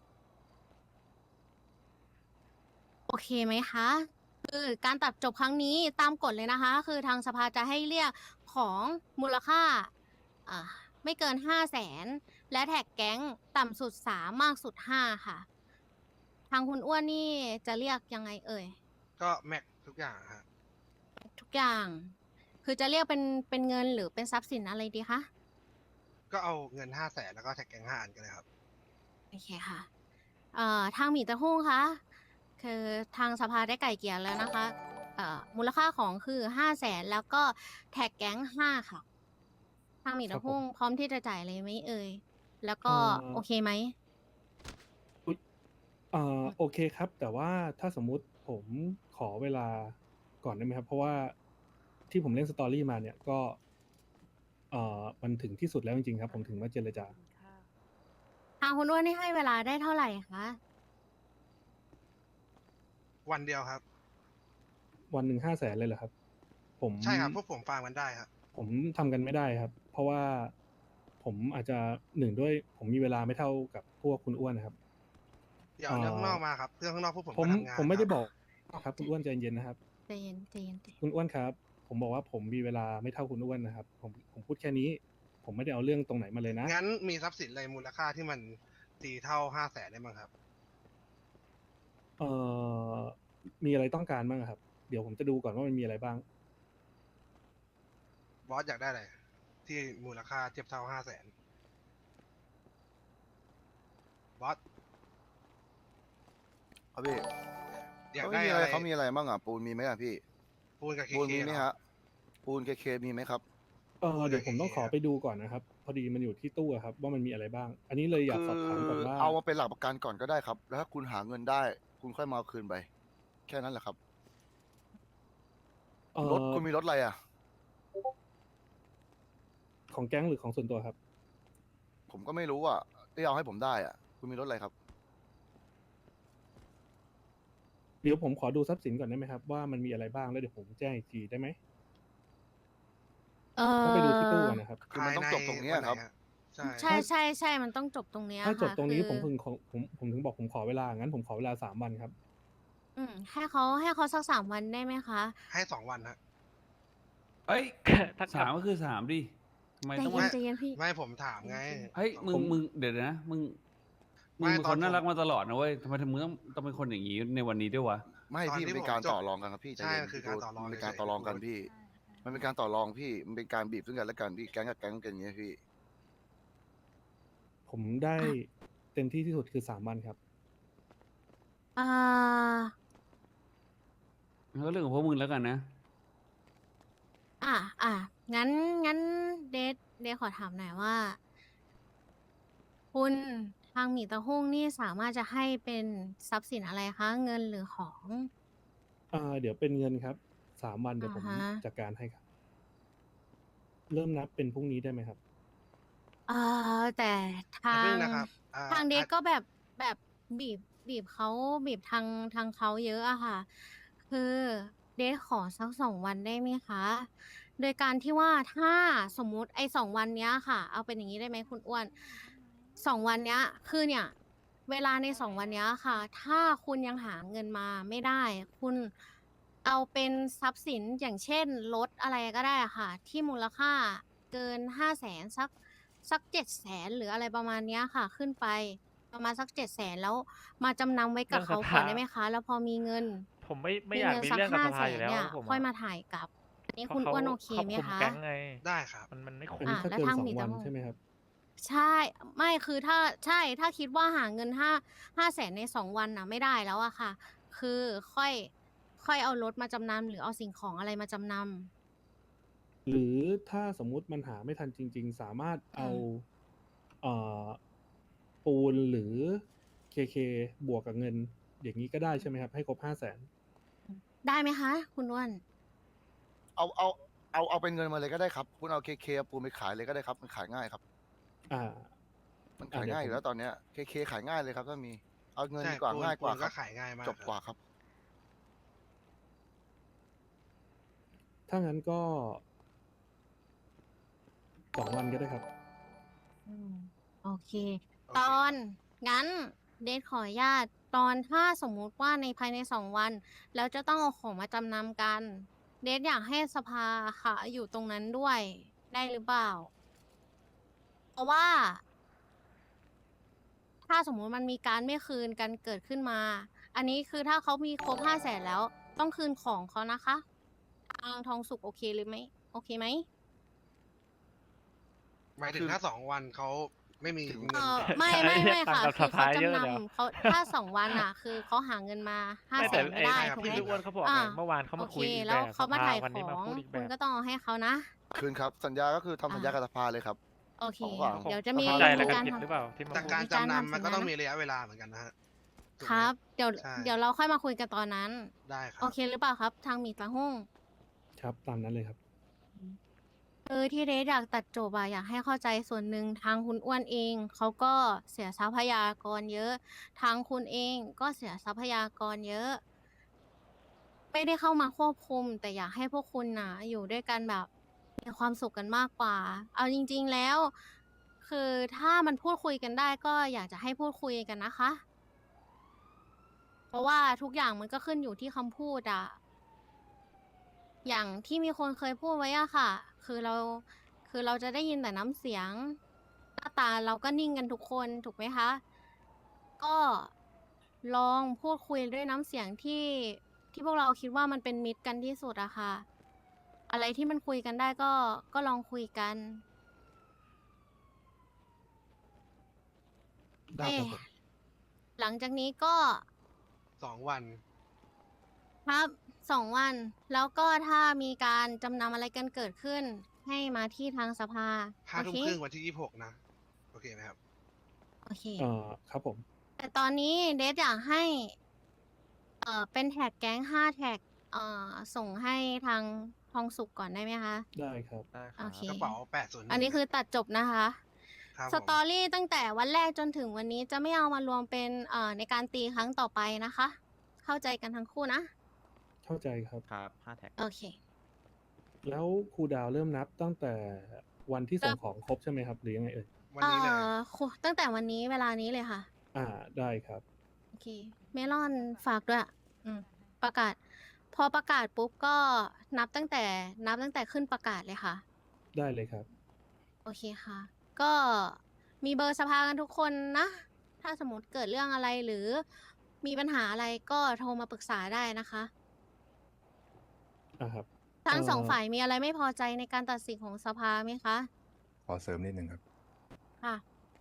Speaker 1: โอเคไหมคะ คือการตัดจบครั้งนี้ตามกฎเลยนะคะ คือทางสภาจะให้เรียกของมูลค่าอ่าไม่เกินห้าแสนและแท็กแก๊งต่ำสุดสามมากสุดห้าค่ะ ทางคุณอ้วนนี่จะเรียกยังไงเอ่ย
Speaker 2: ก็แม็กทุกอย่างฮะ
Speaker 1: ทุกอย่าง คือจะเรียกเป็นเป็นเงินหรือเป็นทรัพย์สินอะไรดีคะ
Speaker 2: ก็เอาเงินห้าแสนแล้วก็แท็กแกงห้าอันกันเลยครับ
Speaker 1: โอเคค่ะเอ่อทางหมีตะหุ้งคะคือทางสภาได้ไก่เกลี่ยแล้วนะคะเอ่อมูลค่าของคือห้าแสนแล้วก็แท็กแก๊งห้าค่ะ ทางหมีตะหุ้งพร้อมที่จะจ่ายเลยไหมเอ่ย แล้วก็
Speaker 3: เอ่อ
Speaker 1: โอเคไหม
Speaker 3: เอ่อโอเคครับ แต่ว่าถ้าสมมุติผมขอเวลาก่อนได้ไหมครับ เพราะว่าที่ผมเล่นสตอรี่มาเนี่ยก็เอ่อมันถึงที่สุดแล้วจริงๆครับ ผมถึงมาเจรจา
Speaker 1: ทางคุณอ้วนนี่ให้เวลาได้เท่าไหร่คะ
Speaker 2: วันเดียวครับ
Speaker 3: วันหนึ่งห้าแสนเลยเหรอครับ ผม
Speaker 2: ใช่ครับพวกผมฟาร์มกันได้ครับ
Speaker 3: ผมทำกันไม่ได้ครับ เพราะว่าผมอาจจะหนึ่งด้วยผมมีเวลาไม่เท่ากับพวกคุณอ้วนนะครับ
Speaker 2: อย่าเอาเรื่องข้างนอกมาครับ เรื่องข้างนอกพวกผม
Speaker 3: ผม
Speaker 2: ก็ทำงาน
Speaker 3: ผมไม่ได้
Speaker 2: ครับ
Speaker 3: บอกครับคุณอ้วนใจเย็นนะครับ
Speaker 1: ใจเย็นใจเย็นใจเย็น
Speaker 3: คุณอ้วนครับ ผมบอกว่าผมมีเวลาไม่เท่าคุณอ้วนนะครับ ผมผมพูดแค่นี้ ผมไม่ได้เอาเรื่องตรงไหนมาเลยนะ
Speaker 2: งั้นมีทรัพย์สินอะไรมูลค่าที่มันตีเท่าห้าแสนได้มั้งครับ
Speaker 3: เอ่อมีอะไรต้องการบ้างครับ เดี๋ยวผมจะดูก่อนว่ามันมีอะไรบ้าง
Speaker 2: บอสอยากได้อะไรที่มูลค่าเทียบเท่าห้าแสนบอส
Speaker 5: ครับพี่
Speaker 2: อยาก
Speaker 5: เขา
Speaker 2: ได้
Speaker 5: มีอะ
Speaker 2: อะไร ไร
Speaker 5: เขามีอะไรบ้างอ่ะปูนมีไหมอ่ะพี่
Speaker 2: ปูนกับเค
Speaker 5: ปูน
Speaker 2: เค
Speaker 5: มีไหมฮะปูนเคเคมีไหมครับ
Speaker 3: เออเดี๋ยวผมต้องขอไปดูก่อนนะครับ พอดีมันอยู่ที่ตู้อะครับ ว่ามันมีอะไรบ้าง อันนี้เลยอยากสอบถามก่อนว่า
Speaker 5: เอามาเป็นหลักประกันก่อนก็ได้ครับ แล้วถ้าคุณหาเงินได้ คุณค่อยมาเอาคืนไป แค่นั้นแหละครับ
Speaker 3: เอ่
Speaker 5: รถ
Speaker 3: อ
Speaker 5: คุณมีรถอะไรอ่ะ
Speaker 3: ของแก๊งหรือของส่วนตัวครับ
Speaker 5: ผมก็ไม่รู้อ่ะที่เอาให้ผมได้อ่ะ คุณมีรถอะไรครับ
Speaker 3: เดี๋ยวผมขอดูทรัพย์สินก่อนได้ไหมครับ ว่ามันมีอะไรบ้างแล้วเดี๋ยวผมแจ้งอีกทีได้ไหม
Speaker 1: เอ
Speaker 3: ต้องไปดูที่ตู้
Speaker 1: อ
Speaker 3: ก่อนนะครับ
Speaker 5: คือมันต้องจบตรงเนี้ยครับ
Speaker 2: ใช่
Speaker 1: ใช่ใช่ใช่มันต้องจบตรงเนี้ย
Speaker 3: ถ้าจบ
Speaker 1: ค่ะ
Speaker 3: ตรงนี้
Speaker 1: คือ
Speaker 3: ผมถึงขอผมผมถึงบอกผมขอเวลา งั้นผมขอเวลาสามวันครับ
Speaker 1: อืมให้เขาให้เขาสักสามวันได้ไหมคะ
Speaker 2: ให้สองวันฮะ
Speaker 10: เฮ้ย
Speaker 11: ถ้า
Speaker 10: สามก็คือสามดิทำไม
Speaker 1: ใจ
Speaker 10: ต้อง
Speaker 1: เย็น
Speaker 10: มา
Speaker 1: ใจเย็นพี่
Speaker 2: ไม่ผมถามไง
Speaker 10: เฮ้ยมึง
Speaker 3: ผม
Speaker 10: มึงเดี๋ยวนะมึงมึ
Speaker 2: ไม่
Speaker 10: งเป็น
Speaker 2: ต
Speaker 10: ค
Speaker 2: อน
Speaker 10: นน่า
Speaker 2: ผม
Speaker 10: รักมาตลอดนะเว้ยทำไมมึงต้องต้องเป็นคนอย่างนี้ในวันนี้ด้วยวะ
Speaker 5: ไม่
Speaker 2: ตอน
Speaker 5: พี่
Speaker 2: ที่
Speaker 5: มันเป็น
Speaker 2: ผม
Speaker 5: การ
Speaker 2: จบ
Speaker 5: ต่อรองกันครับพี่
Speaker 2: ใช่
Speaker 5: ใจเย็
Speaker 2: มันคือการต่อรอง
Speaker 5: มันเป็นการ
Speaker 2: เฉยๆ
Speaker 5: ต่อรองกัน
Speaker 2: พูด
Speaker 5: พี่ มันเป็นการต่อรองพี่ มันเป็นการบีบซึ่งกันและกันพี่ แก๊งกับแก๊งกันอย่างเงี้ยพี่
Speaker 3: ผมได้เต็มที่ที่สุดคือสามวันครับ
Speaker 1: อ่า
Speaker 10: มันก็เรื่องของพวกมึงแล้วกันนะ
Speaker 1: อ่ะอ่ะงั้นงั้นเดทเดทขอถามหน่อยว่า คุณทางหมีตะหุ้งนี่สามารถจะให้เป็นทรัพย์สินอะไรคะ เงินหรือของ
Speaker 3: อ่าเดี๋ยวเป็นเงินครับ สามวันเดี๋ยวผม
Speaker 1: อ่าฮะ
Speaker 3: จัดการให้ครับ เริ่มนับเป็นพรุ่งนี้ได้ไหมครับ
Speaker 1: เอ่าแต่ทา
Speaker 2: อย่าเพิ่
Speaker 1: ง
Speaker 2: งนะครับอ่า
Speaker 1: ทางเดท
Speaker 2: อ่ะ
Speaker 1: ก็แบบแบบบีบบีบเขาบีบทางทางเขาเยอะอะค่ะ คือเดทขอสักสองวันได้ไหมคะ โดยการที่ว่าถ้าสมมุติไอ้สองวันเนี้ยค่ะ เอาเป็นอย่างนี้ได้ไหมคุณอ้วนสองวันเนี้ยคือเนี่ย เวลาในสองวันเนี้ยค่ะ ถ้าคุณยังหาเงินมาไม่ได้ คุณเอาเป็นทรัพย์สินอย่างเช่นรถอะไรก็ได้อะค่ะ ที่มูลค่าเกินห้าแสนสักสักเจ็ดแสนหรืออะไรประมาณเนี้ยค่ะ ขึ้นไปประมาณสักเจ็ดแสนแล้วมาจำนำไว้กับ
Speaker 11: เรื่อง
Speaker 1: เขา
Speaker 11: สภา
Speaker 1: ก่อนได้ไหมคะ แล้วพอมีเงิน
Speaker 11: ผมไม่ไม่
Speaker 1: มี
Speaker 11: อยาก
Speaker 1: เงิน
Speaker 11: มี
Speaker 1: สัก
Speaker 11: เรื่องกับ
Speaker 1: ห้า
Speaker 11: ส
Speaker 1: แส
Speaker 11: ภาน อยู่แล้ว
Speaker 1: เนี่ย
Speaker 11: ผม
Speaker 1: ค่อย
Speaker 11: อะ
Speaker 1: มาถ่ายกลับ อันนี้
Speaker 11: เพราะ
Speaker 1: คุณ
Speaker 11: เขา
Speaker 1: อ้วนโอเค
Speaker 11: เขา
Speaker 1: ไหม
Speaker 11: คุม
Speaker 1: คะ
Speaker 11: แก๊งไง
Speaker 2: ได้ครับ
Speaker 11: มันมันไม่คุ้
Speaker 3: อัน
Speaker 11: ม
Speaker 3: นี้
Speaker 1: อ่ะ
Speaker 3: ถ้า
Speaker 1: แล้ว
Speaker 3: เกิน
Speaker 1: ทาง
Speaker 3: สอ
Speaker 1: หมี
Speaker 3: งวัน
Speaker 1: จะ
Speaker 3: ใช่ไหมครับ
Speaker 1: ใช่ ไม่คือถ้าใช่ถ้าคิดว่าหาเงินห้าห้าแสนในสองวันน่ะไม่ได้แล้วอะค่ะ คือค่อยค่อยเอารถมาจำนำหรือเอาสิ่งของอะไรมาจำนำ
Speaker 3: หรือถ้าสมมุติมันหาไม่ทันจริง ๆ สามารถเอา
Speaker 1: อืม
Speaker 3: เอ่อปูนหรือ เค เค บวกกับเงิน อย่างนี้ก็ได้ใช่ไหมครับ ให้ครบห้าแสน
Speaker 1: ได้ไหมคะ คุณอ้วน
Speaker 5: เอาเอาเอาเอาเป็นเงินมาเลยก็ได้ครับ คุณเอาเคเคปูนไปขายเลยก็ได้ครับ มันขายง่ายครับ
Speaker 3: อ่า
Speaker 5: มัน
Speaker 3: อ่า
Speaker 5: ขาย
Speaker 3: เดี๋ยว
Speaker 5: ง่ายอ
Speaker 3: ผม
Speaker 5: ยู่แล้วตอนเนี้ยเคเคขายง่ายเลยครับถ้ามี เอาเงิน
Speaker 2: ใช่
Speaker 5: ดีกว่า
Speaker 2: ปูน
Speaker 5: ง่ายกว่า
Speaker 2: ปูน
Speaker 5: ค
Speaker 2: ก็
Speaker 5: รับ
Speaker 2: ขายง่ายมาก
Speaker 5: จบ
Speaker 2: ครับ
Speaker 5: กว่าครับ
Speaker 3: ถ้างั้นก็สองวันก็ได้ครับ
Speaker 1: อืม โอเค
Speaker 2: โอเค
Speaker 1: ตอนงั้นเดทขออนุญาตตอนถ้าสมมุติว่าในภายในสองวัน แล้วจะต้องเอาของมาจำนำกัน เดทอยากให้สภาค่ะอยู่ตรงนั้นด้วยได้หรือเปล่า เพราะว่า ถ้าสมมุติมันมีการไม่คืนกันเกิดขึ้นมา อันนี้คือถ้าเขามีครบห้าแสนแล้ว ต้องคืนของเขานะคะ ทางทองสุกโอเคหรือไม่ โอเคไหม
Speaker 2: หมายถึ
Speaker 5: คื
Speaker 2: ง
Speaker 5: อ
Speaker 2: ถ้าสองวันเขาไม่มี
Speaker 5: ถึง
Speaker 2: เงิ
Speaker 1: เอน อ
Speaker 2: จ่าย
Speaker 1: ไม่
Speaker 11: ใช่
Speaker 1: ไม่ไม่
Speaker 11: ต่าง
Speaker 1: ค่ะ
Speaker 11: กับ
Speaker 1: คือ
Speaker 11: ส
Speaker 1: เขา
Speaker 11: ภาเยอะ
Speaker 1: จำ
Speaker 11: เดี๋ยว
Speaker 1: นำเขาถ้าสองวันอ่ะ คือเขาหาเงินมาห้า
Speaker 11: ไม่
Speaker 1: แส
Speaker 11: แต่
Speaker 1: นไม่
Speaker 11: ไอ้
Speaker 1: ได้
Speaker 2: ครับ
Speaker 1: ถูกไหม
Speaker 11: ที่พี่อ้วนเขาบอก
Speaker 1: อ่า
Speaker 11: ไงเมื่อวานเขา
Speaker 1: โอ
Speaker 11: มา
Speaker 1: เค
Speaker 11: คุยอีก
Speaker 1: แล้ว
Speaker 11: แบบ
Speaker 1: เขามา
Speaker 11: สภ
Speaker 1: ถ่าย
Speaker 11: วัน
Speaker 1: ข
Speaker 11: นี้
Speaker 1: อ
Speaker 11: มาง พูดอีกแบ
Speaker 1: คุณ
Speaker 11: บ
Speaker 1: ก็ต้องเอาให้เขานะ
Speaker 5: คืนครับ สัญญาก็คือทำสัญญา
Speaker 1: อ่า
Speaker 5: กับสภาเลยครับ
Speaker 1: โอเค
Speaker 5: ของฝั่ง
Speaker 1: เดี๋ยวจะมี
Speaker 5: สภา
Speaker 11: ใจอะไร
Speaker 1: มี
Speaker 11: กัน
Speaker 1: การ
Speaker 11: ผิด
Speaker 1: ทำ
Speaker 11: หรือเปล่าที่มา
Speaker 2: แต่
Speaker 11: พูด
Speaker 2: การ
Speaker 1: มีการ
Speaker 2: จำ
Speaker 1: ทำ
Speaker 2: นำมันก็
Speaker 1: สัญญา
Speaker 2: ต้องมีระยะเวลาเหมือนกันนะฮะถูก
Speaker 1: ค
Speaker 2: ไหม
Speaker 1: รับ เดี๋ยว
Speaker 2: ใช่
Speaker 1: เดี๋ยวเราค่อยมาคุยกันตอนนั้น
Speaker 2: ได้ครั
Speaker 1: โอบ เคหรือเปล่าครับ ทางหมีตาหุ้ง
Speaker 3: ครับ ตามนั้นเลยครับ
Speaker 1: เออที่เรดอยากตัดจบอะอยากให้เข้าใจส่วนหนึ่งทางคุณอ้วนเองเขาก็เสียทรัพยากรเยอะ ทางคุณเองก็เสียทรัพยากรเยอะ ไม่ได้เข้ามาควบคุม แต่อยากให้พวกคุณน่ะ อยู่ด้วยกันแบบมีความสุขกันมากกว่า เอาจริง ๆแล้ว คือถ้ามันพูดคุยกันได้ก็อยากจะให้พูดคุยกันนะคะ เพราะว่าทุกอย่างมันก็ขึ้นอยู่ที่คำพูดอะ อย่างที่มีคนเคยพูดไว้อะค่ะ คือเรา คือเราจะได้ยินแต่น้ำเสียง หน้าตาเราก็นิ่งกันทุกคนถูกไหมคะ ก็ลองพูดคุยด้วยน้ำเสียงที่ที่พวกเราคิดว่ามันเป็นมิตรกันที่สุดอะค่ะ อะไรที่มันคุยกันได้ก็ก็ลองคุยกัน
Speaker 3: ได้ครับผม
Speaker 1: เอ๊ะหลังจากนี้ก็
Speaker 2: สองวัน
Speaker 1: ครับสองวัน แล้วก็ถ้ามีการจำนำอะไรกันเกิดขึ้น ให้มาที่ทางสภา
Speaker 2: ห้า
Speaker 1: โอ
Speaker 2: ทุ่ม
Speaker 1: เค
Speaker 2: ครึ่งวันที่ยี่สิบหกนะ โอเคไหมครับ
Speaker 1: โอเค
Speaker 3: เอ่อ ครับผม
Speaker 1: แต่ตอนนี้เดทอยากให้ เอ่อ เป็นแท็กแก๊งห้าแท็ก เอ่อ ส่งให้ทางทองสุกก่อนได้ไหมคะ
Speaker 3: ได้ครับ
Speaker 1: โอเค
Speaker 2: กระเป๋าแปดศูนย์
Speaker 1: อันนี้คือตัดจบนะคะ
Speaker 2: ครับ
Speaker 1: ส
Speaker 2: ผม
Speaker 1: ตอรี่ตั้งแต่วันแรกจนถึงวันนี้จะไม่เอามารวมเป็น เอ่อ ในการตีครั้งต่อไปนะคะ เข้าใจกันทั้งคู่นะ
Speaker 3: เข้าใจครับ
Speaker 6: ครับห้าแท็ก
Speaker 1: โอเค
Speaker 3: แล้วครูดาวเริ่มนับตั้งแต่วันที่ส่งของครบใช่ไหมครับ หรือยังไงเอ่ย
Speaker 2: วัน
Speaker 1: เอ่
Speaker 2: นี้เลย
Speaker 1: อคุตั้งแต่วันนี้เวลานี้เลยค่ะ
Speaker 3: อ่า ได้ครับ
Speaker 1: โอเค เมลอนฝากด้วย อืม ประกาศ พอประกาศปุ๊บก็นับตั้งแต่ นับตั้งแต่ขึ้นประกาศเลยค่ะ
Speaker 3: ได้เลยครับ
Speaker 1: โอเคค่ะ ก็มีเบอร์สภากันทุกคนนะ ถ้าสมมติเกิดเรื่องอะไรหรือมีปัญหาอะไรก็โทรมาปรึกษาได้นะคะ
Speaker 3: อ่าครับ
Speaker 1: ทั้งสอง
Speaker 3: เอ่อ
Speaker 1: ฝ่ายมีอะไรไม่พอใจในการตัดสินของสภาไหมคะ
Speaker 9: ขอเสริมนิดนึงครับ
Speaker 1: ค่ะ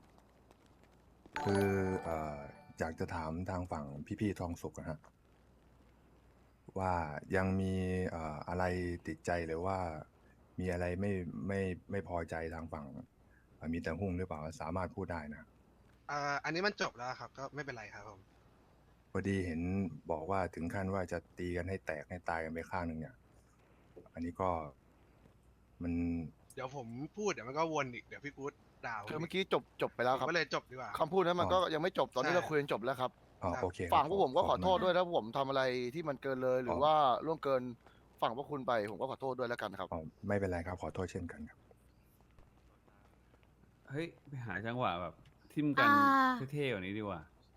Speaker 9: คือเอ่ออยากจะถามทางฝั่งพี่ๆทองสุกนะฮะว่ายังมีเอ่ออะไรติดใจหรือว่ามีอะไรไม่ไม่ไม่พอใจทางฝั่งเอ่อมีแต่หุ้งหรือเปล่าสามารถพูดได้นะ
Speaker 2: อ่า อันนี้มันจบแล้วครับ ก็ไม่เป็นไรครับผม
Speaker 9: พอดีเห็นบอกว่าถึงขั้นว่าจะตีกันให้แตกให้ตายกันไปข้างหนึ่งเนี่ย อันนี้ก็มัน
Speaker 2: เดี๋ยวผมพูดเดี๋ยวมันก็วนอีกเดี๋ยวพี่กู๊ดด่าผม
Speaker 5: คือเมื่อ
Speaker 2: อีก
Speaker 5: กี้จบจบไปแล้ว
Speaker 2: ผม
Speaker 5: ครับ
Speaker 2: ก็เลยจบดีกว่า
Speaker 5: คำพูดนั้นมันก็ยังไม่จบตอนนี้
Speaker 2: ใช่
Speaker 5: เราคุยกันจบแล้วครับ
Speaker 9: อ๋อโอเคครับ
Speaker 5: ฝั่งพวกผมก็ขอโทษ
Speaker 9: บคุณ
Speaker 5: ด้วยถ้าผมทำอะไรที่มันเกินเลยหรือว่าล่วงเกินฝั่งพวกคุณไปผมก็ขอโทษด้วยแล้วกันครับ
Speaker 9: อ๋อไม่เป็นไรครับขอโทษเช่นกันครับ
Speaker 10: เฮ้ย ไปหาจังหวะแบบ ทิมกัน
Speaker 1: อ่า
Speaker 10: เท่ๆกว่านี้ดีกว่า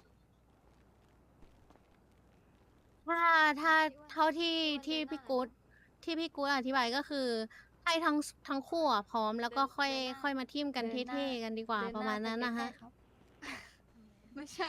Speaker 1: ถ้าถ้าเท่าที่ที่พี่กู๊ดที่พี่กู๊ดอธิบายก็คือให้ทั้งทั้งคู่อะพร้อมแล้วก็ค่อยค่อยมาทิมกันเท่ๆกันดีกว่าประมาณนั้นนะคะ
Speaker 8: ไม่ใช่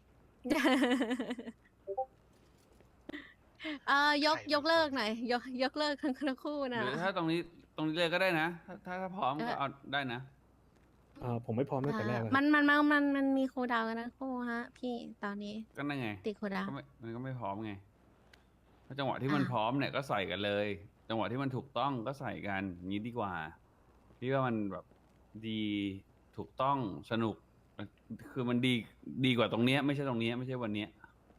Speaker 1: เอ่อยกยกเลิกหน่อยยกยกเลิกทั้งทั้งคู่
Speaker 10: ห
Speaker 1: นะ
Speaker 10: รือถ้าตรงนี้ตรงนี้เลยก็ได้นะ ถ้าถ้าถ้าพร้อม
Speaker 1: เออ
Speaker 10: ก็เอาได้นะ
Speaker 3: อ่าผมไม่พร้อมตั้งแต่แรก
Speaker 1: อ่า
Speaker 3: แล้ว
Speaker 1: มันมันมันมันมันมีครูดาวกันทั้งคู่ฮะ พี่ตอนนี้
Speaker 10: ก็นั่นไง
Speaker 1: ติดครูดาว
Speaker 10: ก็ไม่มันก็ไม่พร้อมไง ถ้าจังหวะที่มัน
Speaker 1: อ่า
Speaker 10: พร้อมเนี่ยก็ใส่กันเลย จังหวะที่มันถูกต้องก็ใส่กันอย่างนี้ดีกว่า พี่ว่ามันแบบดีถูกต้องสนุก คือมันดีดีกว่าตรงเนี้ยไม่ใช่ตรงเนี้ยไม่ใช่วันเนี้ย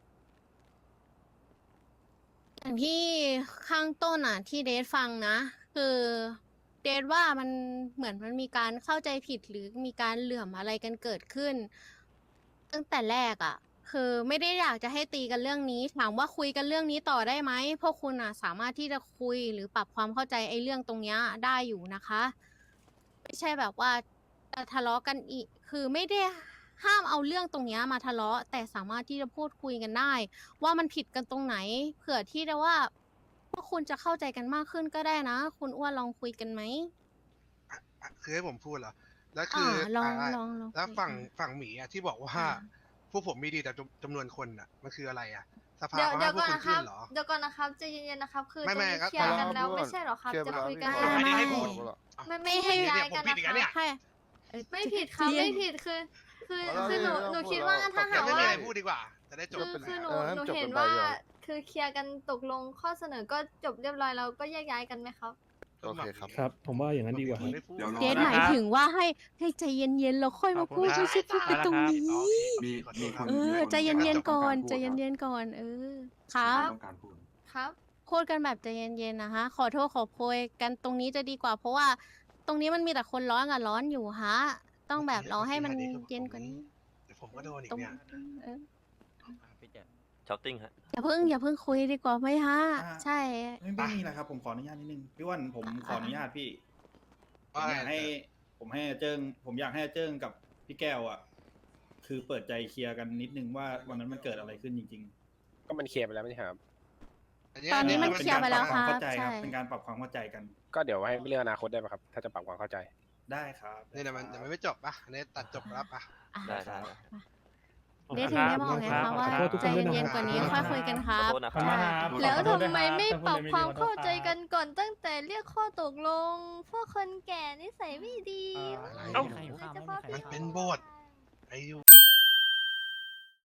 Speaker 1: อย่างที่ข้างต้นอ่ะ ที่เดทฟังนะ คือเดทว่ามันเหมือนมันมีการเข้าใจผิดหรือมีการเหลื่อมอะไรกันเกิดขึ้น ตั้งแต่แรกอ่ะ คือไม่ได้อยากจะให้ตีกันเรื่องนี้ ถามว่าคุยกันเรื่องนี้ต่อได้ไหมพวกคุณอ่ะ สามารถที่จะคุยหรือปรับความเข้าใจไอ้เรื่องตรงเนี้ยได้อยู่นะคะ ไม่ใช่แบบว่าจะทะเลาะกันอีก คือไม่ได้ห้ามเอาเรื่องตรงเนี้ยมาทะเลาะ แต่สามารถที่จะพูดคุยกันได้ ว่ามันผิดกันตรงไหน เผื่อที่จะว่าพวกคุณจะเข้าใจกันมากขึ้นก็ได้นะ คุณอ้วนลองคุยกันไหม
Speaker 2: อ่ะอ่ะคือให้ผมพูดเหรอแล้วคือ
Speaker 1: อ่าลอง
Speaker 2: อ่ะ
Speaker 1: ลองลอง
Speaker 2: แล้ว
Speaker 1: คุย
Speaker 2: ฝั่ง
Speaker 1: อ่ะ
Speaker 2: ฝั่งหมีอ่ะที่บอกว่า
Speaker 1: อ่า
Speaker 2: พวกผมมีดีแต่จำจำนวนคนอ่ะ มันคืออะไรอ่ะสภา
Speaker 8: เดี๋ยว
Speaker 2: เขา
Speaker 8: เดี๋
Speaker 2: ให้
Speaker 8: ยว
Speaker 2: พว
Speaker 8: ก่
Speaker 2: ก
Speaker 8: อน
Speaker 2: คุณ
Speaker 8: นะค
Speaker 2: ขึ้
Speaker 8: รับ
Speaker 2: นเหรอ
Speaker 8: เดี๋ยวก่อนนะครับใจเย็นๆนะครับ คือ
Speaker 2: ไม่
Speaker 8: ตรง
Speaker 2: ไม่
Speaker 8: นี้
Speaker 2: ก็
Speaker 8: เคลียร์กัน
Speaker 5: พอ
Speaker 8: แล้ว
Speaker 5: พูดก่อน
Speaker 8: ไม่ใช่เหรอครับ
Speaker 5: เคลียร์
Speaker 8: จะ
Speaker 5: ไปแล้ว
Speaker 8: คุยกัน
Speaker 5: พี่
Speaker 8: ได้
Speaker 2: อันนี้
Speaker 8: ไหม
Speaker 2: ให้พูด
Speaker 8: ไม่ไม่ให้
Speaker 2: เดี๋ยว
Speaker 8: ย้าย
Speaker 2: ผม
Speaker 8: กัน
Speaker 2: ผิด
Speaker 8: นะ
Speaker 2: อีก
Speaker 8: ค
Speaker 2: แล้วเนี่ย
Speaker 8: รับ
Speaker 1: ให้
Speaker 8: ไม่ผิดครับ
Speaker 1: เรียน
Speaker 8: ไม่ผิดคือ คือ
Speaker 5: เอาแล้ว
Speaker 8: คือหนู
Speaker 5: เรื่อง
Speaker 8: หนู
Speaker 5: พูด
Speaker 8: คิด
Speaker 5: แล้ว
Speaker 8: ว่าถ้า
Speaker 5: จ
Speaker 8: หา
Speaker 5: บ
Speaker 8: ก
Speaker 2: ไม่
Speaker 8: ว่า
Speaker 2: มีอะไรพูดดีกว่า จะได้จบ
Speaker 8: คือ
Speaker 2: ไปเลย
Speaker 8: คือหนู
Speaker 5: เออให้
Speaker 8: หนู
Speaker 5: จบ
Speaker 8: เห็น
Speaker 5: กันไป
Speaker 8: ว่า
Speaker 5: เดี๋ยว
Speaker 8: คือเคลียร์กันตกลงข้อเสนอก็จบเรียบร้อยแล้วก็แยกย้ายกันไหมครับ
Speaker 5: โอเคครับ
Speaker 3: ครับ ผมว่าอย่างนั้นดีกว่าครับ
Speaker 2: ไม่พูด
Speaker 9: เดี๋ยวรอ
Speaker 1: เดทหมายถึงว่าให้ให้ใจเย็นๆแล้วค่อยมาพูด
Speaker 11: ขอบคุณ
Speaker 1: ไม่ใช่พูดกันตรงนี้
Speaker 2: อ๋อโอเค
Speaker 9: มี
Speaker 2: ขอโท
Speaker 9: มี
Speaker 2: ษ
Speaker 9: ค
Speaker 2: รับ
Speaker 9: น
Speaker 1: เออ
Speaker 9: มีค
Speaker 1: ใจเย็นๆก่อน
Speaker 9: มีค
Speaker 1: ใจ
Speaker 9: ต้งารพูด
Speaker 1: เย็นๆก่อน เออครับ
Speaker 9: ต้องการพูด
Speaker 8: ครับ
Speaker 1: พูดกันแบบใจเย็นๆนะคะ ขอโทษขอโพยกันตรงนี้จะดีกว่า เพราะว่าตรงนี้มันมีแต่คนร้อนกับร้อนอยู่ฮะ ต้องแบบรอให้มันเย็นกว่านี้
Speaker 2: เดี๋ยวผมก็โดนอีก
Speaker 1: ตรง
Speaker 2: เนี่ย
Speaker 1: เออ
Speaker 12: ช้อปปิ้งฮะ
Speaker 1: อย่าเพิ่งอย่าเพิ่งคุยดีกว่าไหมฮะ
Speaker 13: อ่า
Speaker 1: ใช่
Speaker 13: ไม่ไม่มีนะครับ ผมขออนุญาตนิดนึงพี่อ้วันผมขออนุญาตพี่ ผมอยากให้ ผมให้อาเจิ้งผมอยากให้อาเจิ้งกับพี่แก้วอ่ะ คือเปิดใจเคลียร์กันนิดนึงว่าวันนั้นมันเกิดอะไรขึ้นจริง
Speaker 12: ก็มันเคลียร์ไปแล้วไม่ใช่ครับ
Speaker 1: ตอนนี้มัน
Speaker 13: ๆ
Speaker 1: เคลียร์ไปแล้ว
Speaker 13: ป็น
Speaker 1: ค
Speaker 13: การป
Speaker 1: รั
Speaker 13: รับ ความเข้าใจครับ
Speaker 1: ใช่
Speaker 13: เป็นการปรับความเข้าใจกัน
Speaker 12: ก็เดี๋ยวให้เรื่องอนาคตได้ไหมครับ ถ้าจะปรับความเข้าใจ
Speaker 13: ได้ครับ
Speaker 2: นี่นะมันยังไม่จบปะอันนี้ตัดจบแล้วปะ
Speaker 1: อ่ะ
Speaker 12: ได้ได้
Speaker 1: เดทถึงได้บอกไงคะว่า
Speaker 3: ขอโทษทุก
Speaker 1: ใจ
Speaker 3: คนด้วยนะ
Speaker 1: เย็นๆกว่านี้ค่อยคุยกันค
Speaker 12: ขอ
Speaker 1: รับ
Speaker 12: โทษนะค
Speaker 1: ใช่
Speaker 12: รับ
Speaker 8: แล้วทำไมไม่ปรับความเข้าใจกันก่อนตั้งแต่เรียกข้อตกลง พวกคนแก่นิสัยไม่ดี
Speaker 2: อะไร
Speaker 8: โดยเฉพาะพี่
Speaker 2: มันเป็นบทไอ้ยู